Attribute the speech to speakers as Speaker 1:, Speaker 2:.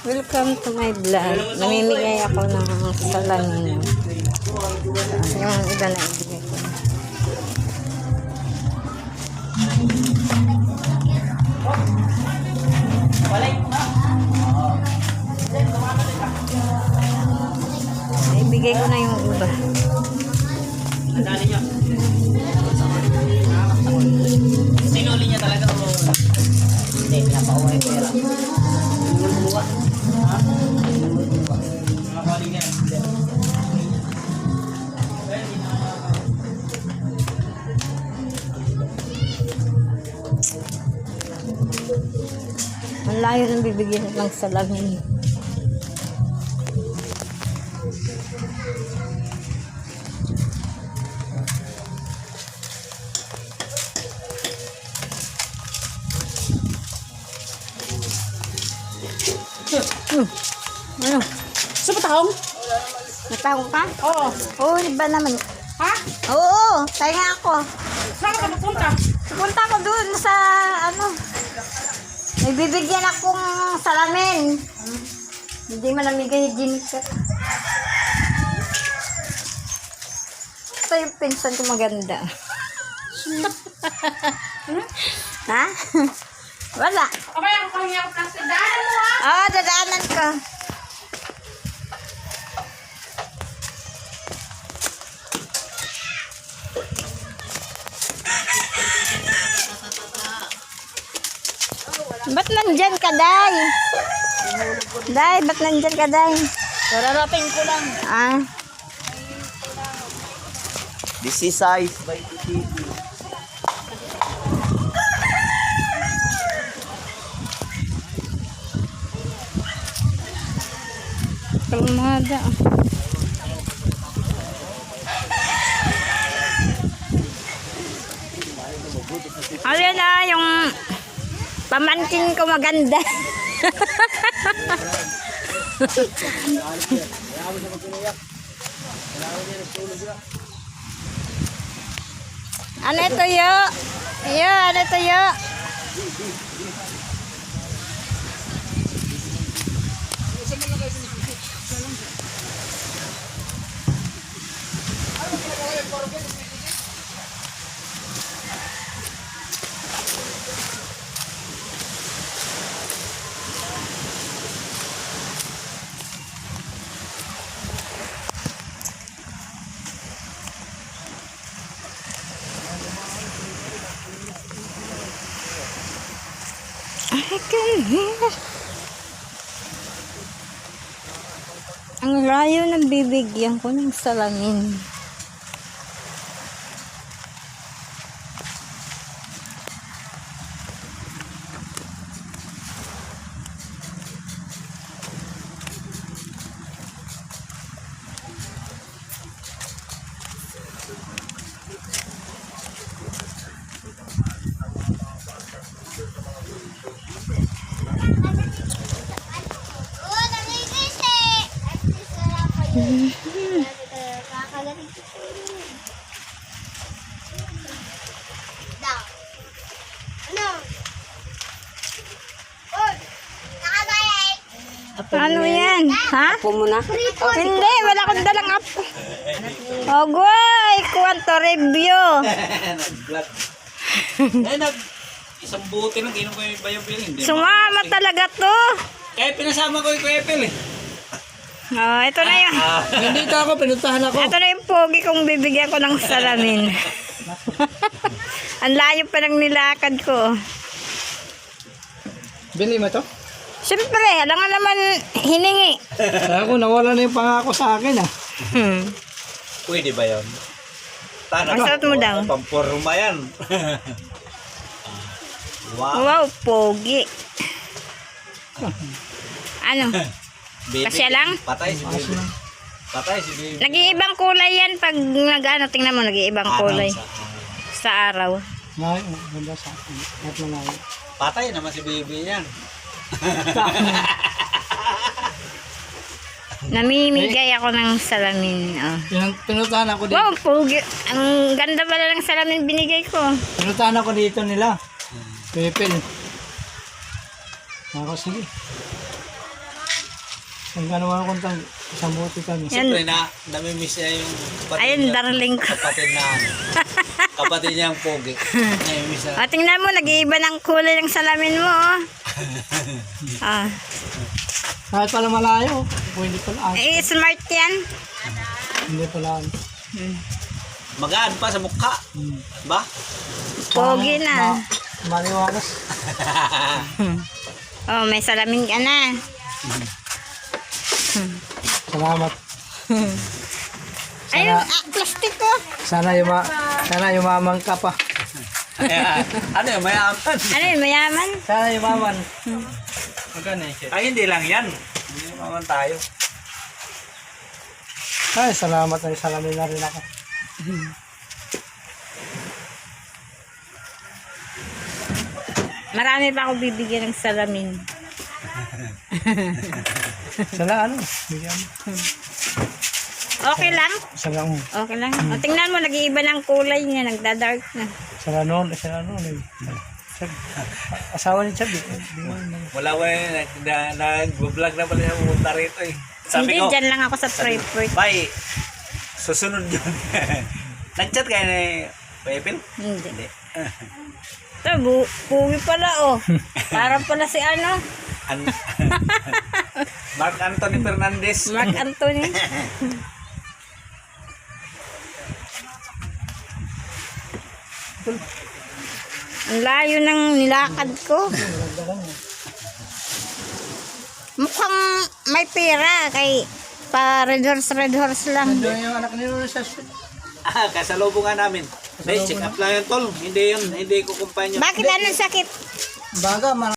Speaker 1: Welcome to my vlog. Namimigay ako ng salamin. Yung iba na ibigay ko. Ibigay ko na yung iba.
Speaker 2: Sinuli niya talaga o hindi, pinapauwi ko yun. Luluwa. Ha? Luluwa. Mga kali niya.
Speaker 1: Ang layo ng bibigyan ng salamin. Ano?
Speaker 3: Sa patahong?
Speaker 1: Natawag ka?
Speaker 3: Oo.
Speaker 1: Oo, iba naman.
Speaker 3: Ha?
Speaker 1: Oo, tayo nga ako.
Speaker 3: Saan ka magpunta?
Speaker 1: Pupunta ko dun sa, may bibigyan akong salamin. Hindi man namigay hygienic ka. Ito yung pinsan ko maganda. Ha? Wala.
Speaker 3: Okay, ako pahingi ako plastic. Daanan mo ha?
Speaker 1: Oo, dadaanan ko. Ba't nandyan ka, Day? Day, ba't nandyan ka, Day?
Speaker 3: Kararating ko lang.
Speaker 1: Ah,
Speaker 2: This is size by TV.
Speaker 1: kalmada. Ayan na, yung pamangkin ko maganda. Ano ito yo? Yo, ano ito yo? I can hear. Ang layo ng bibigyan ko ng salamin. Ano yan? Ha?
Speaker 3: Apo mo na?
Speaker 1: Hindi, wala akong dalang apo. Ogoy, kwanto review.
Speaker 2: Nag-vlog. Isang buti lang, ginom ko yung bayo-bill.
Speaker 1: Sumama talaga to.
Speaker 2: Kaya pinasama ko yung Kuya Pel eh.
Speaker 1: Oh, ito na yun.
Speaker 3: Hindi ako, pinuntahan ako.
Speaker 1: Ito na yung pogi kung bibigyan ko ng salamin. Ang layo pa ng nilakad ko.
Speaker 3: Bili mo to?
Speaker 1: Siyempre, alam nga naman hiningi.
Speaker 3: Ako, nawala na yung pangako sa akin ah.
Speaker 2: Pwede ba yun?
Speaker 1: Ang sarap mo daw.
Speaker 2: Pampurma yan. Wow.
Speaker 1: Wow, pogi. Ano?
Speaker 2: Baby,
Speaker 1: Kasya lang?
Speaker 2: Patay si baby. Patay si baby.
Speaker 1: Nag-iibang kulay yan pag nag-ano, tingnan mo, nag-iibang kulay. Sa araw.
Speaker 3: Ay, ganda sa akin. At malayo.
Speaker 2: Patay naman si baby yan.
Speaker 1: Namimigay ako ng salamin. Oh.
Speaker 3: Pinuntahan ako dito.
Speaker 1: Wow, pogi. Ang ganda pala ng salamin binigay ko.
Speaker 3: Pinuntahan ako dito nila. Pepel. Ako, sige. Ang ganawa ko tang isang bote kami.
Speaker 1: Yan.
Speaker 2: Siyempre namimiss niya yung
Speaker 1: Ayun,
Speaker 2: niya,
Speaker 1: darling ko.
Speaker 2: kapatid na ano. Kapatid niya ang pogi. Namimiss niya.
Speaker 1: O, tingnan mo, nag-iiba ng kulay ng salamin mo, oh. Ah.
Speaker 3: Kahit pala malayo. Hindi pala.
Speaker 1: Eh, smart yan.
Speaker 3: Hindi pala.
Speaker 2: Magaan pa sa mukha. Ba?
Speaker 1: Pogi na.
Speaker 3: Maliwakas.
Speaker 1: Oh, may salamin ka na.
Speaker 3: Salamat.
Speaker 1: Ayun, plastic ko.
Speaker 3: Sana yumaman ka pa.
Speaker 2: Ayan. Ano yung mayaman?
Speaker 1: Ano yun, mayaman?
Speaker 3: Sana yumaman.
Speaker 2: Ay, hindi lang yan. Hindi maman tayo.
Speaker 3: Ay, salamat ay salamin na rin ako.
Speaker 1: Marami pa ako bibigyan ng salamin.
Speaker 3: Sana ano? Bigyan mo.
Speaker 1: Okay lang?
Speaker 3: Sana mo.
Speaker 1: Okay lang. O, tingnan mo, nag-iiba ng kulay niya, nagda-dark na.
Speaker 3: Sana noon. Asawa ni Chab.
Speaker 2: Wala ko eh. Nag-vlog na pala siya pumunta rito eh. Sabi
Speaker 1: Hindi,
Speaker 2: ko,
Speaker 1: dyan lang ako sa Frankfurt.
Speaker 2: bye. Susunod yun. Nag-chat kayo ni Pepil?
Speaker 1: Hindi. Ito, puwi pala, oh. Parang pala si ano,
Speaker 2: Mark Anthony Fernandez.
Speaker 1: Mark Anthony. Ang layo ng nilakad ko. Mukhang may pera kay pa red horse lang.
Speaker 3: Doon yung anak ni Lolo sa street.
Speaker 2: Kasalubong nga namin. Hindi, check up lang yun, tol. Hindi yun. Hindi ko kumpanya.
Speaker 1: Bakit anong sakit?
Speaker 3: Baga,